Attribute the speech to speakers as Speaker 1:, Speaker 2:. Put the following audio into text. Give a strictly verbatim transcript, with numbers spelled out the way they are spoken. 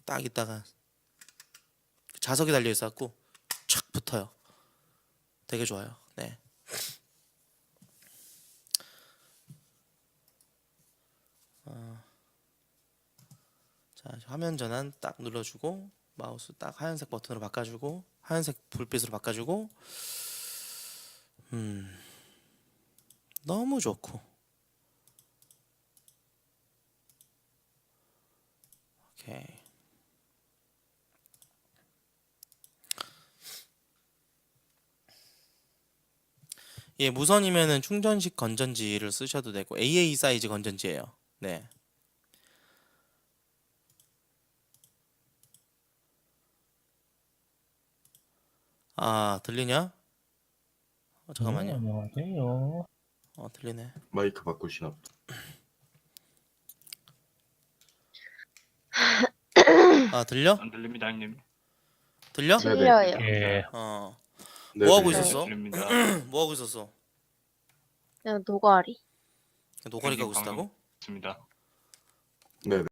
Speaker 1: 딱 있다가 자석이 달려 있어갖고 촥 붙어요. 되게 좋아요. 네. 어, 자 화면 전환 딱 눌러주고 마우스 딱 하얀색 버튼으로 바꿔주고 하얀색 불빛으로 바꿔주고 음 너무 좋고 오케이. 예, 무선이면은 충전식 건전지를 쓰셔도 되고 에이에이 사이즈 건전지예요. 네. 아, 들리냐? 어,
Speaker 2: 네,
Speaker 1: 잠깐만요.
Speaker 2: 안녕하세요.
Speaker 1: 어, 들리네.
Speaker 3: 마이크 바꾸시나 보다.
Speaker 1: 아, 들려?
Speaker 4: 안 들립니다, 형님.
Speaker 1: 들려?
Speaker 3: 네네.
Speaker 5: 들려요.
Speaker 2: 예,
Speaker 1: 어.
Speaker 3: 네네.
Speaker 1: 뭐 하고
Speaker 5: 네.
Speaker 1: 있었어?
Speaker 4: 들립니다.
Speaker 1: 뭐 하고 있었어?
Speaker 5: 그냥 노가리.
Speaker 1: 노가리 가고
Speaker 4: 형님 방금
Speaker 1: 있었다고?
Speaker 4: 있습니다.
Speaker 3: 네네.